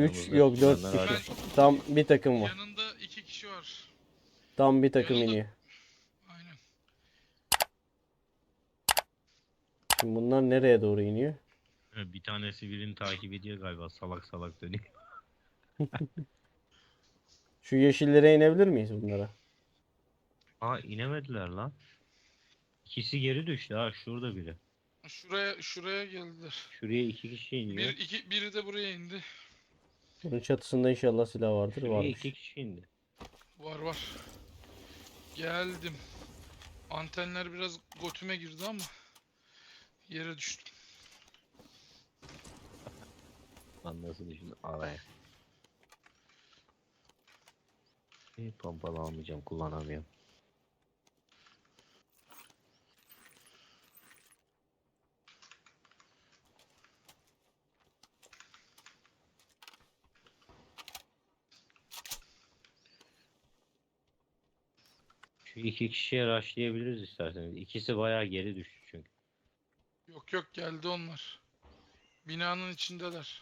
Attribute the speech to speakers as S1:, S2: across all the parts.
S1: 3
S2: Yanımızda
S1: yok 4
S2: düşenler
S1: kişi.
S2: hariç.
S1: Tam bir takım var.
S3: Yanında 2 kişi var.
S1: Tam bir takım
S3: Yanında-
S1: iniyor.
S3: Aynen.
S1: Şimdi bunlar nereye doğru iniyor?
S2: Bir tanesi birini takip ediyor galiba, salak salak dönüyor.
S1: Şu yeşillere inebilir miyiz bunlara?
S2: Aa, inemediler lan. İkisi geri düştü ha, şurada biri.
S3: Şuraya geldiler.
S2: Şuraya 2 kişi iniyor.
S3: Biri de buraya indi.
S1: Bunun çatısında inşallah silah vardır.
S2: Şuraya 2
S1: Varmış.
S2: kişi indi.
S3: Var. Geldim. Antenler biraz götüme girdi ama yere düştüm.
S2: Lan nasıl düşündüm araya. Pompalı almayacağım, kullanamıyorum. Şu 2 kişiye rushlayabiliriz isterseniz. İkisi bayağı geri düştü çünkü.
S3: Yok geldi onlar. Binanın içindeler.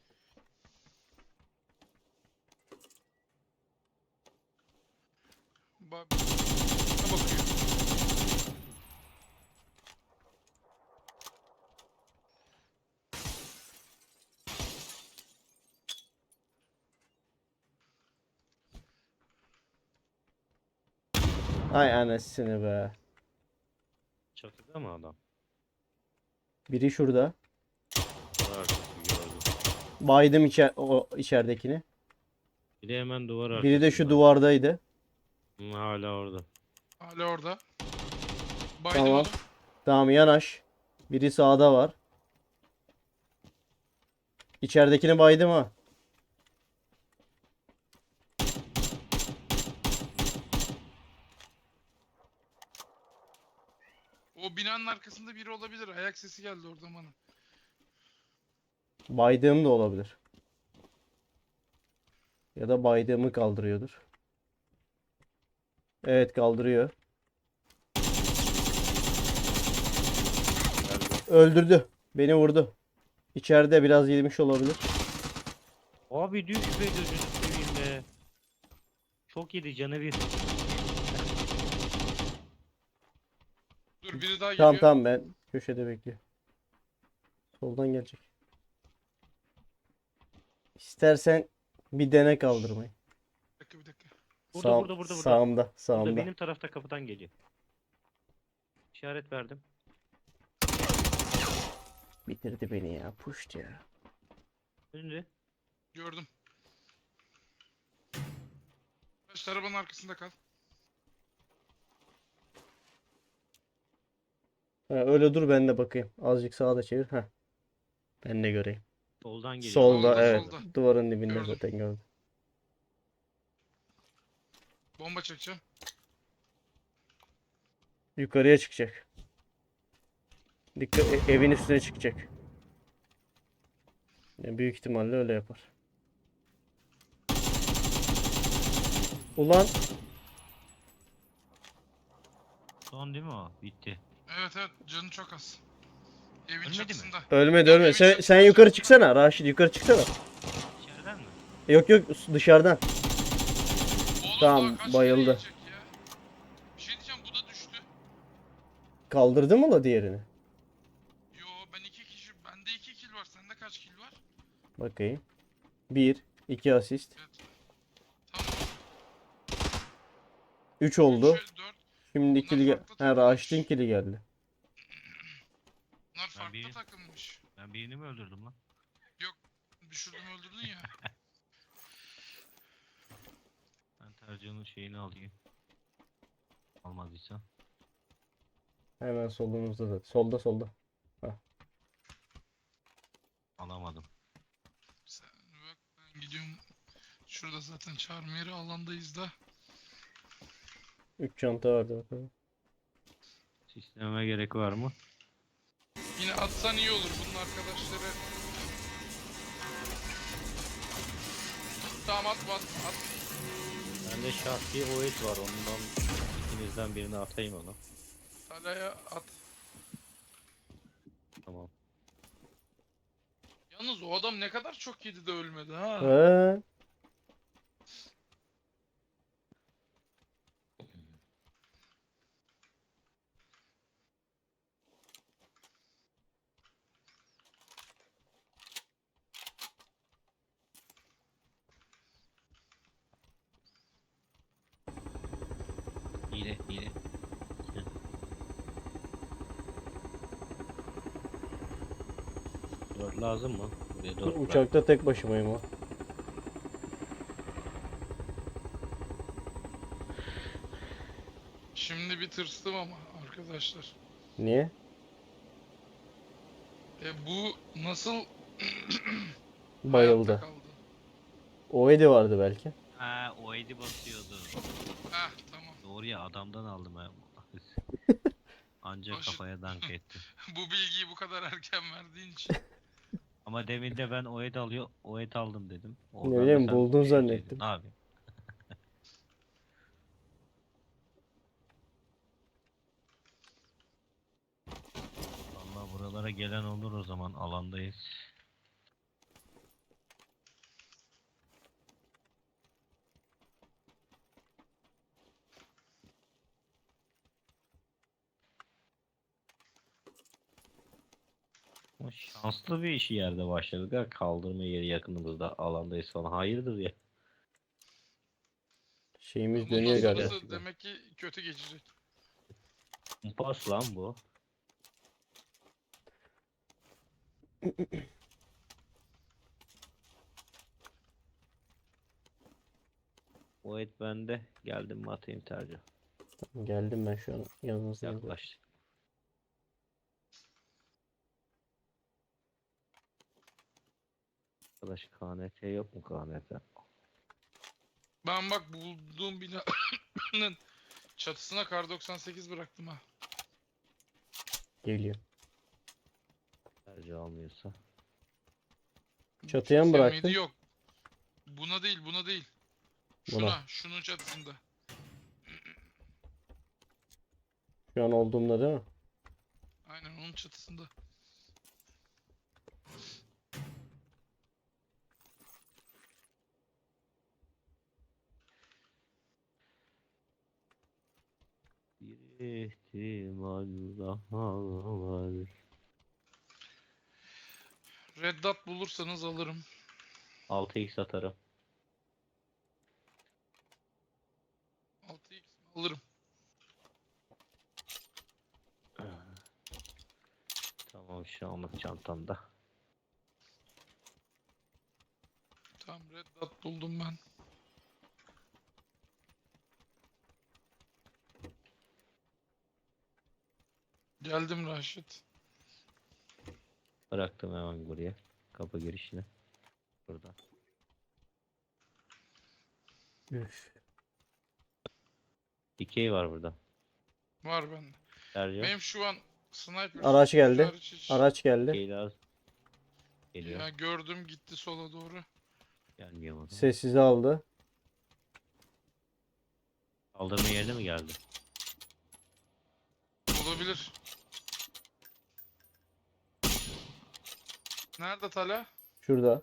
S3: Bakıyor.
S1: Ay anasını be.
S2: Çatıda mı adam?
S1: Biri şurada.
S2: Duvar arkası gördüm.
S1: Baydım o içeridekini.
S2: Bir de hemen duvar arkası.
S1: Biri de şu duvardaydı.
S2: Hala orada.
S3: Hala orada. Baydım
S1: Tamam.
S3: onu.
S1: Tamam yanaş. Biri sağda var. İçeridekini baydım ha.
S3: O binanın arkasında biri olabilir. Ayak sesi geldi oradan bana.
S1: Baydığım da olabilir. Ya da baydığımı kaldırıyordur. Evet kaldırıyor. Öldürdü. Beni vurdu. İçeride biraz yemiş olabilir.
S2: Abi düş be, gözünü seveyim be. Çok yedi, canı bir.
S3: Dur biri daha
S1: Tamam
S3: geliyor.
S1: tamam ben köşede bekliyorum. Soldan gelecek. İstersen bir dene kaldırmayı.
S3: Bir dakika.
S2: Burada.
S1: Sağımda.
S2: Burada
S1: Sağımda.
S2: benim tarafta, kapıdan geliyor. İşaret verdim.
S1: Bitirdi beni ya. Puşt ya.
S2: Önünde.
S3: Gördüm. Taş arabanın arkasında kal.
S1: Ha, öyle dur ben de bakayım. Azıcık sağa da çevir. Ha. Ben de göreyim.
S2: Soldan geliyor.
S1: Solda
S3: Solda,
S1: evet.
S3: solda.
S1: Duvarın dibinde
S3: Gördüm.
S1: zaten gördüm.
S3: Bomba çekeceğim.
S1: Yukarıya çıkacak. Dikkat evin üstüne çıkacak. Yani büyük ihtimalle öyle yapar. Ulan
S2: Son değil mi o? Bitti.
S3: Evet canı çok az. Evin
S2: Ölmedi mi?
S3: çatısında.
S1: ölmedi
S3: Yok,
S1: ölmedi.
S3: evin
S1: Sen
S3: çatısında,
S1: yukarı
S3: çatısında.
S1: çıksana Raşit yukarı çıksana.
S2: İçeriden mi?
S1: Yok dışarıdan.
S3: Oğlum
S1: Tamam,
S3: daha kaç kere
S1: bayıldı.
S3: yiyecek ya? Bir şey diyeceğim, bu da düştü.
S1: Kaldırdı mı la diğerini?
S3: Yo bende 2 kill var. Sende kaç kill var?
S1: Bakayım. 1 2 asist.
S3: Evet. Tamam.
S1: 3 oldu.
S3: 4.
S1: Şimdi
S3: Bunlar
S1: ikili
S3: farklı
S1: ha
S3: takımmış.
S1: Raşit'in kili geldi.
S3: Bunlar farklı
S2: bir-
S3: takımmış.
S2: Ben birini mi öldürdüm lan?
S3: Düşürdün öldürdün ya.
S2: Ben tercihinin şeyini alayım. Almadıysa.
S1: Hemen solumuzda da. Solda.
S2: Alamadım.
S3: Sen bak, ben gidiyorum. Şurada zaten çağırma yeri, alandayız da.
S1: 3 çanta vardı bakalım.
S2: Sistememe gerek var mı?
S3: Yine atsan iyi olur bunun arkadaşları. Tamam at.
S2: Bende şahsi OS var, ondan ikinizden birini atayım onu.
S3: Talaya at.
S2: Tamam.
S3: Yalnız o adam ne kadar çok yedi de ölmedi ha.
S1: He.
S2: Hile hile. Dört lazım mı? Buraya dört bırak.
S1: Uçakta tek başımayım o.
S3: Şimdi bir tırstım ama arkadaşlar.
S1: Niye?
S3: Bu nasıl hayatta
S1: Bayıldı.
S3: kaldı?
S1: O Edi vardı belki.
S2: Ha, o edi basıyordu.
S3: Heh, tamam.
S2: Doğru ya, adamdan aldım ha. Ancak
S3: Hoş-
S2: kafaya dank etti.
S3: Bu bilgiyi bu kadar erken verdiğin için.
S2: Ama demin de ben o ed o ed aldım dedim.
S1: Ne
S2: Oradan da
S1: bileyim,
S2: sen
S1: buldun
S2: bir şey dedin.
S1: zannettim.
S2: Abi. Vallahi buralara gelen olur, o zaman alandayız. Ama şanslı bir işi yerde başladık ha. Kaldırma yeri yakınımızda, alandayız falan. Hayırdır ya.
S1: Şeyimiz
S3: Bundan
S1: dönüyor galiba.
S3: sonrası demek ki kötü geçecek.
S2: Kumpas lan bu. O et bende. Geldim mi atayım tercih.
S1: Geldim ben şu an yanınızdayım.
S2: Yaklaş. Arkadaş KNT yok mu KNT?
S3: Ben bak bulduğum binanın çatısına kar 98 bıraktım ha.
S1: Geliyor.
S2: Tercih almıyorsa.
S1: Çatıya mı
S3: Çatıya
S1: bıraktın?
S3: mıydı? Yok. Buna değil, buna değil. Şuna,
S1: Buna.
S3: şunun çatısında.
S1: Şu an olduğumda değil mi?
S3: Aynen onun çatısında.
S2: Bir ihtimal daha var.
S3: Red Dot bulursanız alırım.
S2: 6x atarım.
S3: 6x alırım.
S2: Tamam, şu anlık çantamda.
S3: Tamam, Red Dot buldum ben. Geldim Raşit.
S2: Bıraktım hemen buraya. Kapı girişine. Burada.
S1: Üf.
S2: Dikey var burada.
S3: Var bende.
S2: Tercih.
S3: Benim şu an sniper
S1: Araç geldi.
S3: hariç hiç-
S1: Araç geldi.
S2: Dikey lazım. Geliyor.
S3: Ya gördüm, gitti sola doğru.
S2: Gelmiyor mu?
S1: Sessize aldı.
S2: Kaldırma yerine mi geldi?
S3: Olabilir. Nerede Tala?
S1: Şurada.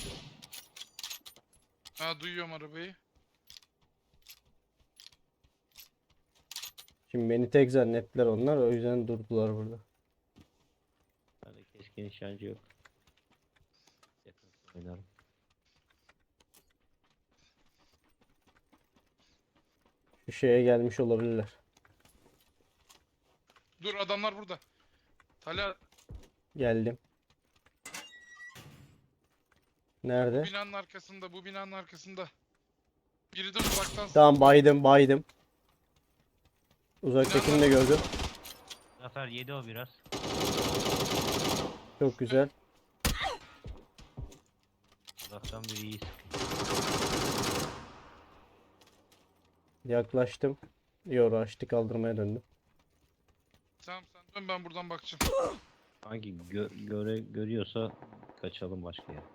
S3: Ha, duyuyorum arabayı.
S1: Şimdi beni tek zannettiler onlar. O yüzden durdular burada.
S2: Bende keskin nişancı yok. Yakın oynarım.
S1: Şu şeye gelmiş olabilirler.
S3: Dur, adamlar burada. Tala,
S1: Geldim. Nerede?
S3: binanın arkasında, bu binanın arkasında. Biri de uzaktan.
S1: Tamam, baydım. Uzaktakini de gördüm.
S2: Zafer yedi o biraz.
S1: Çok güzel.
S2: Uzaktan biri iyi sıkıyor.
S1: Yaklaştım. Yo, açtı, kaldırmaya döndüm.
S3: Tamam, sen dön, ben buradan bakacağım.
S2: Hangi görüyorsa kaçalım başka yere.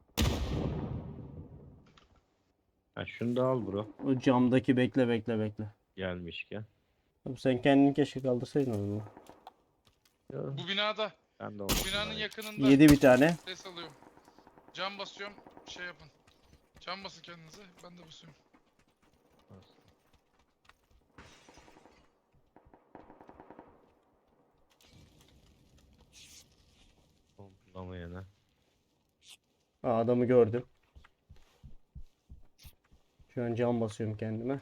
S2: Ha, şunu da al bro.
S1: O camdaki bekle.
S2: Gelmişken.
S1: Abi sen kendini keşke kaldırsaydın onu.
S3: Bu binada,
S2: Ben de
S3: bu binanın yakınında.
S1: Yedi bir tane.
S3: Ses alıyorum. Cam basıyorum. Şey yapın. Cam basın kendinize. Ben de basıyorum.
S2: Toplamayana.
S1: Aa, adamı gördüm. Şu an cam basıyorum kendime.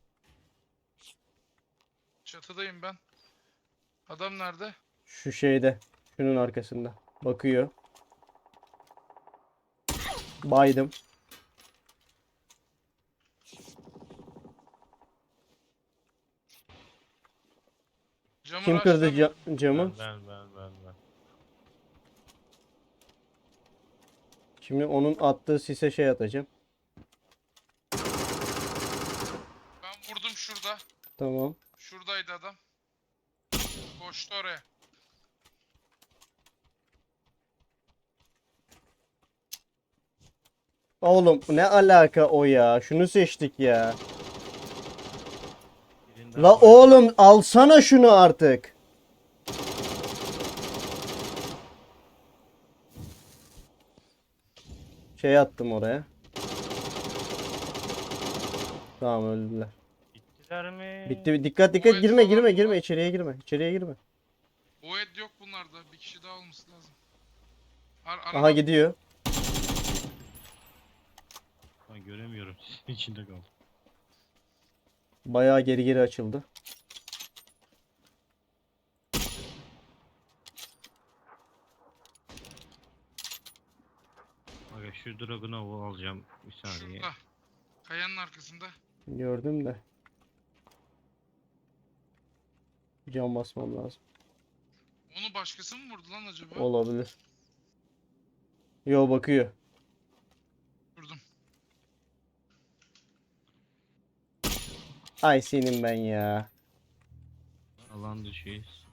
S3: Çatıdayım ben. Adam nerede?
S1: Şu şeyde. Şunun arkasında. Bakıyor. Baydım.
S3: Camı
S1: Kim kırdı
S3: rushlamıyorum.
S1: camı?
S2: Ben.
S1: Şimdi onun attığı sise şey atacağım.
S3: Ben vurdum şurada.
S1: Tamam.
S3: Şuradaydı adam. Koştu oraya.
S1: Oğlum ne alaka o ya? Şunu seçtik ya.
S2: Birinden
S1: La
S2: baydım.
S1: oğlum alsana şunu artık. Şey attım oraya. Tamam öldüler.
S2: Bittiler mi?
S1: Bitti. Dikkat
S3: Void
S1: dikkat girme
S3: falan
S1: girme
S3: mı
S1: girme
S3: var?
S1: içeriye girme. İçeriye girme.
S3: O et yok bunlarda. Bir kişi daha olması lazım.
S1: Aha
S3: Araba.
S1: gidiyor.
S2: Ben göremiyorum. İçinde kaldım.
S1: Bayağı geri geri açıldı.
S2: Aga şu Dragunov'u alacağım bir saniye.
S3: Şurada. Kayanın arkasında.
S1: Gördüm de. Cam basmam lazım.
S3: Onu başkası mı vurdu lan acaba?
S1: Olabilir. Yo bakıyor.
S3: Vurdum.
S1: Ay senin ben ya.
S2: Alan dışıyız.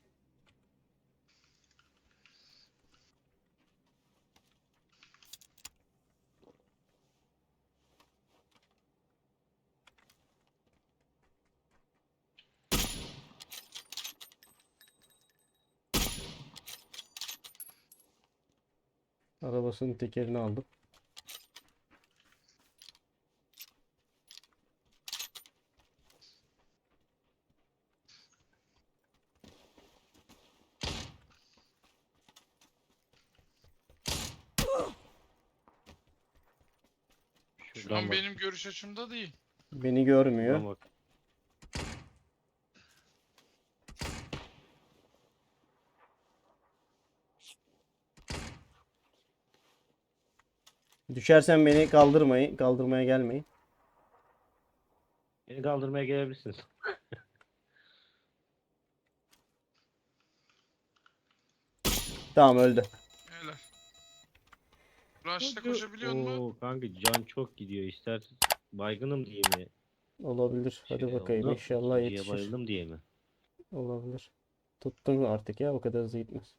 S1: Arabasının tekerini aldım.
S3: Şu
S2: Şuradan
S3: an
S2: bak.
S3: benim görüş açımda değil.
S1: Beni görmüyor.
S2: Şuradan bak.
S1: Düşersen beni kaldırmayın. Kaldırmaya gelmeyin.
S2: Beni kaldırmaya gelebilirsiniz.
S1: Tamam öldü.
S3: Helal. Rush'ta koşabiliyor mu?
S2: Oo kanka can çok gidiyor. İstersen baygınım diye mi?
S1: Olabilir. Hadi
S2: Şey
S1: bakayım.
S2: oldu,
S1: İnşallah
S2: ikinciye
S1: yetişir.
S2: bayıldım diye mi?
S1: Olabilir. Tuttun artık ya. O kadar hızlı gitmez.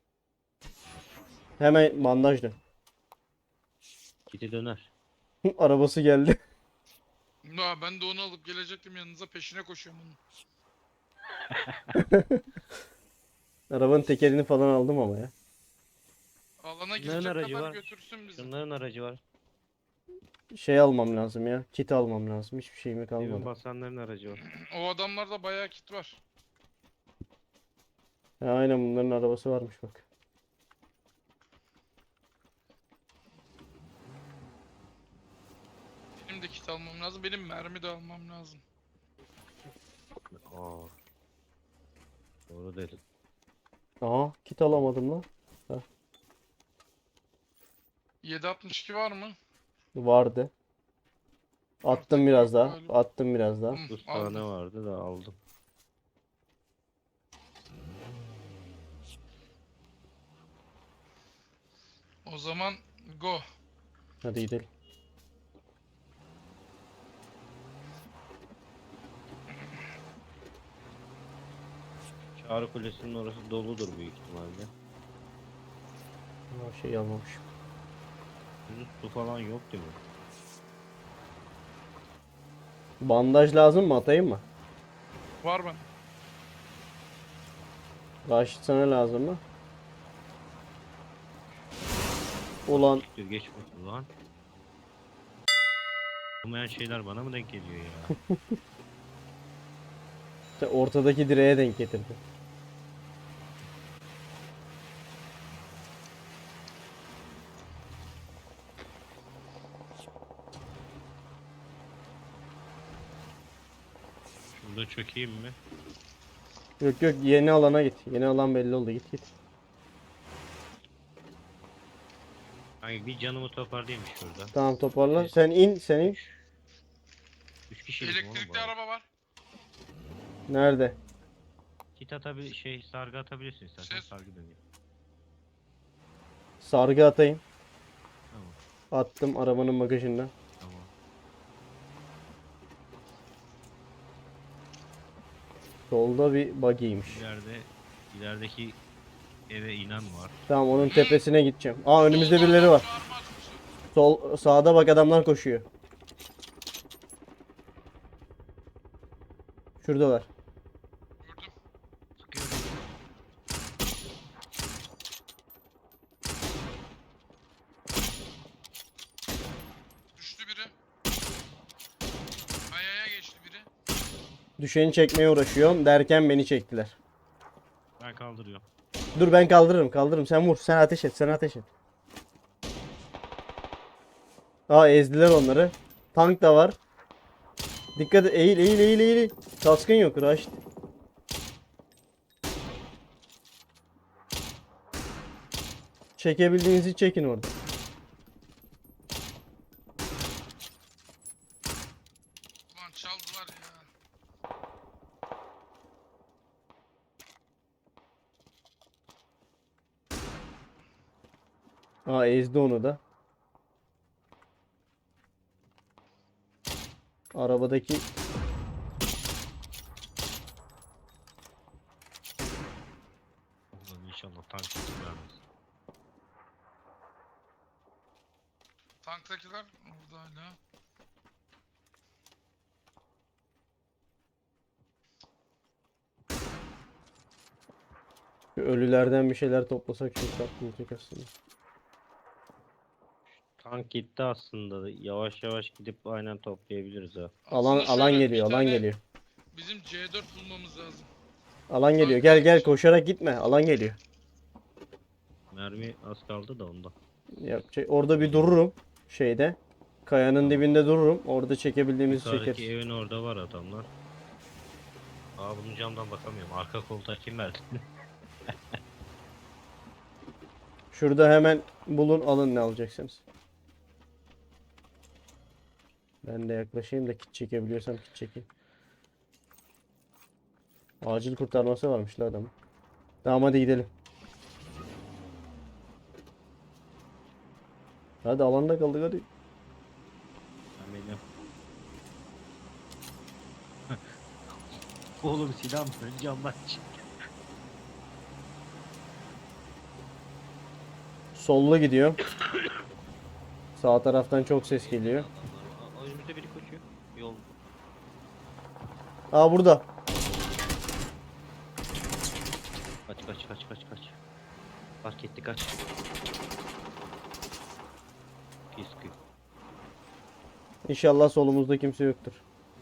S1: Hemen bandaj dön.
S2: Kiti döner.
S1: Arabası geldi.
S3: Ya ben de onu alıp gelecektim yanınıza, peşine koşuyorum onun.
S1: Arabanın tekerini falan aldım ama ya.
S3: Alana
S2: Bunların
S3: girecek
S2: aracı
S3: kadar
S2: var.
S3: götürsün bizi.
S2: Şunların aracı var.
S1: Şey almam lazım ya. Kit almam lazım. Hiçbir şeyime
S2: Evin
S1: kalmadı.
S2: basanların aracı var.
S3: O adamlarda bayağı kit var.
S1: Ha, aynen bunların arabası varmış bak.
S3: Benim de kit almam lazım. Benim mermi de almam lazım.
S2: Aa. Doğru dedin.
S1: Aa kit alamadım lan.
S3: 7.62 var mı?
S1: Vardı.
S3: Artık
S1: Attım biraz
S3: yok
S1: daha.
S3: galiba.
S1: Attım biraz daha.
S2: 9
S3: aldım.
S2: tane vardı da aldım.
S3: O zaman go.
S1: Hadi gidelim.
S2: Çağrı Kulesi'nin orası doludur büyük ihtimalle.
S1: Aa, şey almamışım.
S2: Yunus su falan yok değil mi?
S1: Bandaj lazım mı? Atayım mı?
S3: Var mı?
S1: Raşit sana lazım mı? Ulan
S2: Dur geç bakalım lan. Olmayan şeyler bana mı denk geliyor ya?
S1: ortadaki direğe denk getirdi.
S2: Şurada çökeyim mi?
S1: Yok yok, yeni alana git. Yeni alan belli oldu, git git.
S2: Hani bir canımı toparlayayım şurada.
S1: Tamam, toparla.
S2: Biz-
S1: Sen in, sen in.
S2: 3 kişilik mi oğlum bu
S3: Elektrikli
S2: araba?
S3: araba var.
S1: Nerede?
S2: Kit sargı atabilirsin istersen
S3: Ses.
S2: sargı dönüyor.
S1: Sargı atayım.
S2: Tamam
S1: Attım arabanın bagajından.
S2: tamam.
S1: Solda bir buggy'ymiş.
S2: İlerideki eve inen var.
S1: Tamam, onun tepesine gideceğim. Aa, önümüzde birileri var.
S3: Çağırmaz mısın?
S1: Sağda bak, adamlar koşuyor. Şuradalar.
S3: Gördüm.
S2: Sıkıyorum.
S3: Düştü biri. Kayaya geçti biri.
S1: Düşeni çekmeye uğraşıyorum derken beni çektiler.
S2: Ben kaldırıyorum.
S1: Dur, ben kaldırırım. Sen vur. Sen ateş et. Aa, ezdiler onları. Tank da var. Dikkat et. Eğil. Kaskın yok. Raşit. Çekebildiğinizi çekin orada.
S3: Ulan çaldılar ya.
S1: Aa, ezdi onu da. Arabadaki
S2: Ulan inşallah tank vermez.
S3: Tanktakiler orada hala.
S1: şu ölülerden bir şeyler toplasak çok tatlı olacak aslında.
S2: Tank gitti aslında. Yavaş yavaş gidip aynen toplayabiliriz ha.
S1: Alan
S3: Aslında
S1: alan
S3: şöyle,
S1: geliyor,
S3: bir
S1: alan
S3: tane
S1: geliyor.
S3: Bizim C4 bulmamız lazım.
S1: Alan geliyor.
S3: Tank
S1: Gel
S3: var.
S1: koşarak gitme. Alan geliyor.
S2: Mermi az kaldı da ondan.
S1: Orada bir dururum şeyde. Kayanın
S2: Tamam.
S1: dibinde dururum. Orada çekebildiğimizi
S2: Yukarıdaki
S1: çekeriz.
S2: evin orada var adamlar. Aa bunun camdan bakamıyorum. Arka koltuğa kim verdi?
S1: Şurada hemen bulun, alın ne alacaksınız. Ben de yaklaşayım da kit çekebiliyorsam kit çekeyim. Acil kurtarması varmış la adamın. Tamam, hadi gidelim. Hadi, alanda kaldık hadi.
S2: Ben benim. Oğlum silah mı? Camdan çık.
S1: Sollu gidiyor. Sağ taraftan çok ses geliyor.
S2: Adamlar. Önümüzde biri koşuyor. Yol.
S1: Aa, burada.
S2: Kaç. Fark etti kaç. Sıkıyor.
S1: İnşallah solumuzda kimse yoktur.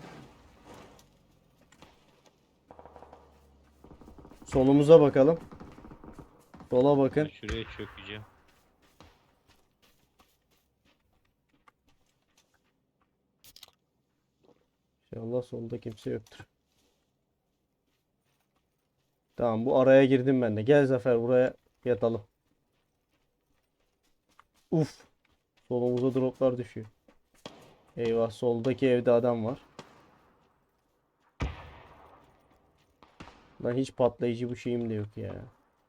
S1: Solumuza bakalım. Sola
S2: Ben
S1: bakın.
S2: şuraya çökeceğim.
S1: İnşallah solda kimse yoktur. Tamam, bu araya girdim ben de. Gel Zafer, buraya yatalım. Uf. Solumuza droplar düşüyor. Eyvah, soldaki evde adam var. Lan hiç patlayıcı bir şeyim de yok ya.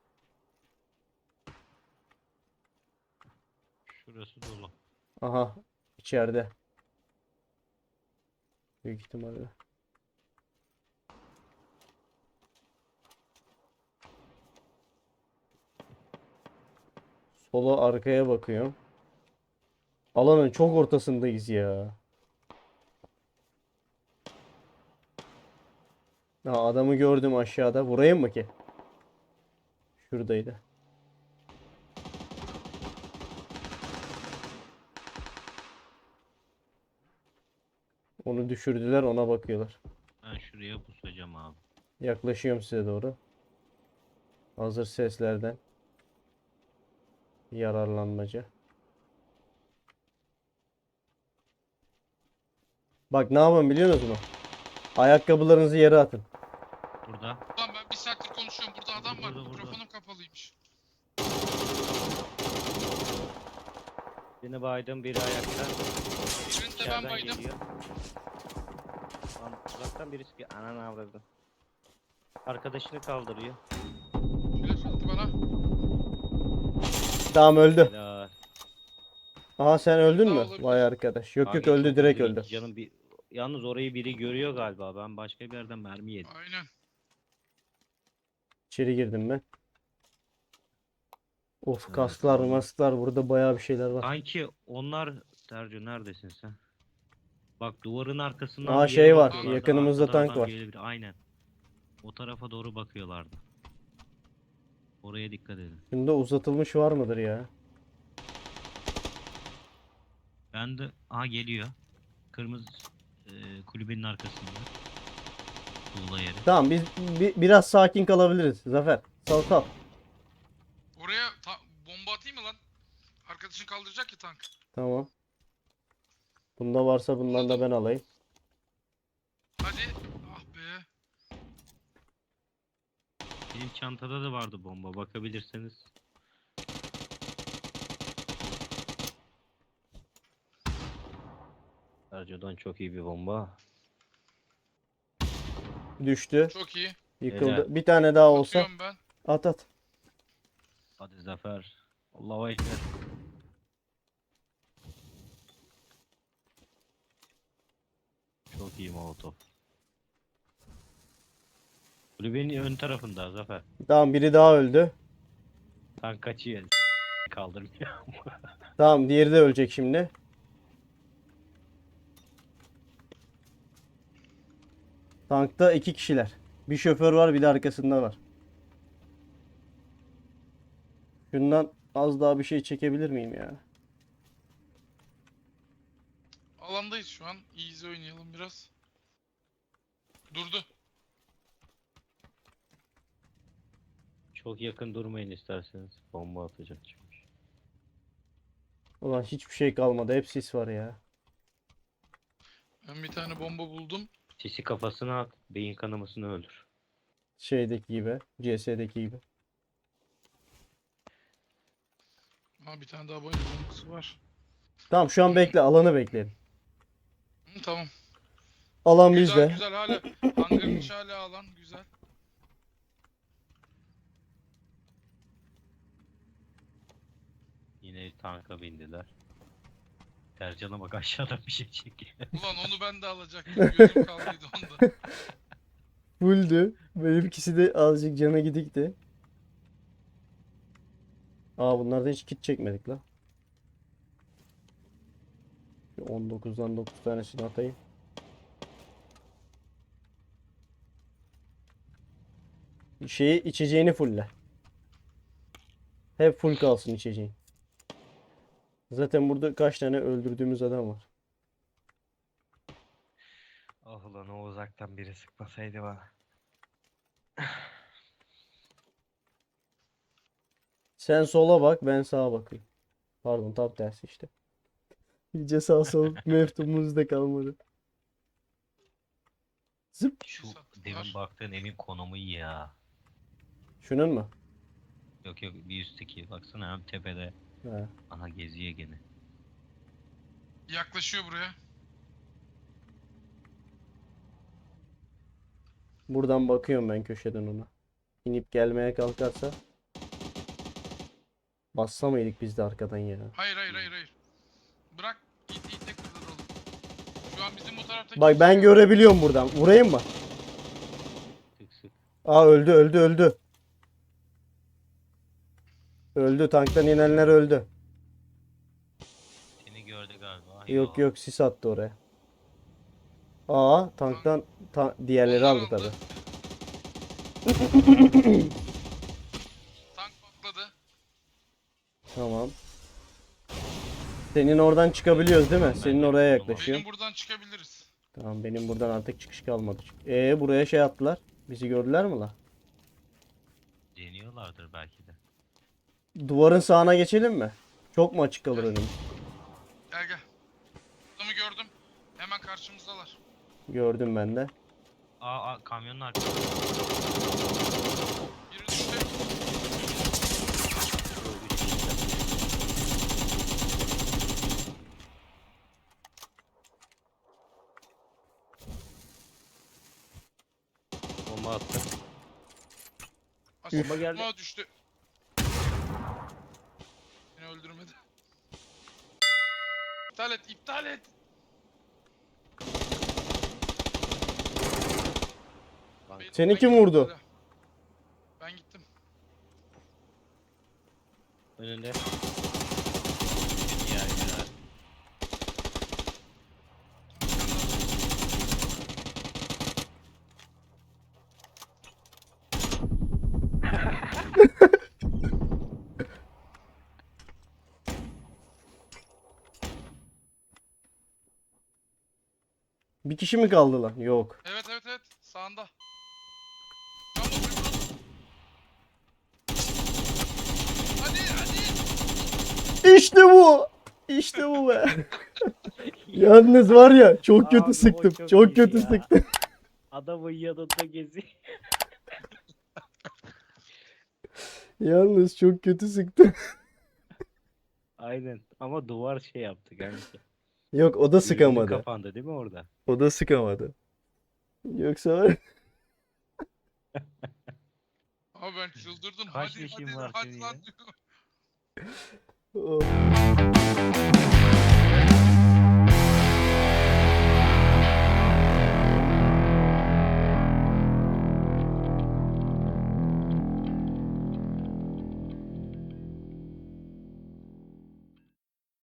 S2: Şurası dolu.
S1: Aha, içeride. Büyük ihtimalle. Sola, arkaya bakıyorum. Alanın çok ortasındayız ya. Ha, adamı gördüm aşağıda. Vurayım mı ki? Şuradaydı. Onu düşürdüler, ona bakıyorlar.
S2: Ben şuraya pusacağım abi.
S1: Yaklaşıyorum size doğru. Hazır seslerden. Yararlanmaca. Bak ne yapın biliyor musunuz mu? Ayakkabılarınızı yere atın.
S2: Burada.
S3: Ulan ben bir saattir konuşuyorum. Burada adam var.
S2: Burada.
S3: Mikrofonum kapalıymış.
S2: Birini baydım, biri ayakta.
S3: Birini de ben
S2: İçeriden
S3: baydım.
S2: geliyor. Lan uzaktan birisi ki ananı avradı. Arkadaşını kaldırıyor.
S3: Flash attı bana.
S1: Tamam öldü.
S2: Helal.
S1: Aha sen öldün
S3: Daha
S1: mü?
S3: olabilir.
S1: Vay arkadaş. Yok yok
S2: Kanka
S1: öldü,
S2: çok
S1: direkt
S2: hızlı
S1: öldü.
S2: gitti canım bir... Yalnız orayı biri görüyor galiba. Ben başka bir yerden mermi yedim.
S3: Aynen.
S1: İçeri girdim ben. Of
S2: Evet,
S1: kasklar
S2: aldım.
S1: masklar, burada bayağı bir şeyler var.
S2: Sanki onlar... Tercih neredesin sen? Bak duvarın arkasından
S1: Aa,
S2: bir
S1: şey
S2: yere
S1: var,
S2: bakıyorlardı,
S1: yakınımızda
S2: arkadan
S1: tank
S2: adam
S1: var.
S2: gelebilir. Aynen. O tarafa doğru bakıyorlardı. Oraya dikkat edin.
S1: Bunda uzatılmış var mıdır ya?
S2: Ben de... Aha geliyor. Kırmızı kulübenin arkasında. Tuğla yeri.
S1: Tamam biz biraz sakin kalabiliriz Zafer. Sal sal.
S3: Oraya bomba atayım mı lan? Arkadaşın kaldıracak ya tank.
S1: Tamam. Bunda varsa bundan da ben alayım.
S3: Hadi. Ah be.
S2: Benim çantada da vardı bomba. Bakabilirseniz. Sergio'dan çok iyi bir bomba.
S1: Düştü.
S3: Çok iyi.
S1: Yıkıldı.
S2: Helal.
S1: Bir tane daha olsa
S3: Atıyorum ben.
S1: at at.
S2: Hadi Zafer. Allahu Ekber. Çok iyi Molotov. Kulübenin ön tarafında Zafer.
S1: Tamam biri daha öldü.
S2: Tank kaçıyor. Kaldırmıyor.
S1: Tamam diğeri de ölecek şimdi. Tankta 2 kişiler. Bir şoför var, bir de arkasında var. Şundan az daha bir şey çekebilir miyim ya?
S3: Alandayız şu an. Easy oynayalım biraz. Durdu.
S2: Çok yakın durmayın isterseniz. Bomba atacak çünkü.
S1: Ulan hiçbir şey kalmadı. Hep sis var ya.
S3: Ben bir tane bomba buldum.
S2: Sisi kafasına at. Beyin kanamasını öldür.
S1: Şeydeki gibi. CS'deki gibi.
S3: Ha bir tane daha bombası var.
S1: Tamam şu an bekle. Alanı bekleyelim.
S3: Hı, tamam.
S1: Alan
S3: Güzel
S1: bizde.
S3: güzel hala. Hangarın içi hala alan güzel.
S2: Yine tanka bindiler. Tercan'a bak aşağıdan bir şey çekiyor.
S3: Ulan onu ben de alacaktım. Gözüm kaldıydı onda.
S1: Fulldü. Benimkisi de azıcık cana gidikti. Aa bunlardan hiç kit çekmedik la. 19'dan 9 tanesini atayım. Şeyi içeceğini fulle. Hep full kalsın içeceğin. Zaten burada kaç tane öldürdüğümüz adam var.
S2: Ah ulan o uzaktan biri sıkmasaydı bana.
S1: Sen sola bak, ben sağa bakayım. Pardon, tam tersi işte. İyice sağ sol meftumumuz da kalmadı. Zıp.
S2: Şu
S3: Sattılar.
S2: demin baktığın evin konumu iyi ya.
S1: Şunun mu?
S2: Yok yok bir üstteki baksana hem tepede.
S1: Ha.
S2: Aha geziyor gene.
S3: Yaklaşıyor buraya.
S1: Buradan bakıyorum ben köşeden ona. İnip gelmeye kalkarsa. Bassa mıydık biz de arkadan ya?
S3: Hayır hayır hayır hayır. Bırak ite kırdıralım. Şu an bizim bu taraftaki
S1: Bak ben görebiliyorum buradan. Vurayım mı?
S2: Sık sık.
S1: Aa öldü öldü öldü. Öldü, tanktan inenler öldü.
S2: Seni gördü galiba.
S1: Yok yok, sis attı oraya. Aa tanktan diğerleri
S3: Onlar
S1: aldı
S3: aldı.
S1: tabi.
S3: Tank patladı.
S1: Tamam. Senin oradan çıkabiliyoruz değil mi? Senin oraya yaklaşıyor.
S3: Benim buradan çıkabiliriz.
S1: Tamam benim buradan artık çıkış kalmadı. Buraya şey attılar. Bizi gördüler mi la?
S2: Deniyorlardır belki de.
S1: Duvarın sağına geçelim mi? Çok mu açık kalır önüm?
S3: Gel gel. Adamı gördüm. Hemen karşımızdalar.
S1: Gördüm ben de.
S2: Kamyonun arkasında.
S3: Biri düştü.
S2: Bomba attı.
S3: Bomba
S2: geldi.
S3: düştü. Beni öldürmedi. İptal et, iptal et.
S1: Seni kim vurdu?
S3: Ben gittim.
S2: Önünde. Ya ya.
S1: Bir kişi mi kaldı lan? Yok.
S3: Evet evet evet. Sağında. Can basıyor. Hadi hadi.
S1: İşte bu. İşte bu be. Yalnız var ya çok kötü
S2: Abi o
S1: sıktım.
S2: çok
S1: Çok
S2: iyi
S1: kötü
S2: ya.
S1: sıktım.
S2: Adamın yanında gezi.
S1: Yalnız çok kötü sıktım.
S2: Aynen. Ama duvar şey yaptı kanka.
S1: Yok o da
S2: Gözünün
S1: sıkamadı.
S2: kapandı değil mi orada?
S1: O da sıkamadı. Yoksa var.
S3: Abi ben çıldırdım.
S2: Kaç
S3: hadi
S2: leşin
S3: hadi
S2: var
S3: hadi
S2: senin
S3: lan
S2: ya?
S3: diyorum.
S1: Oh.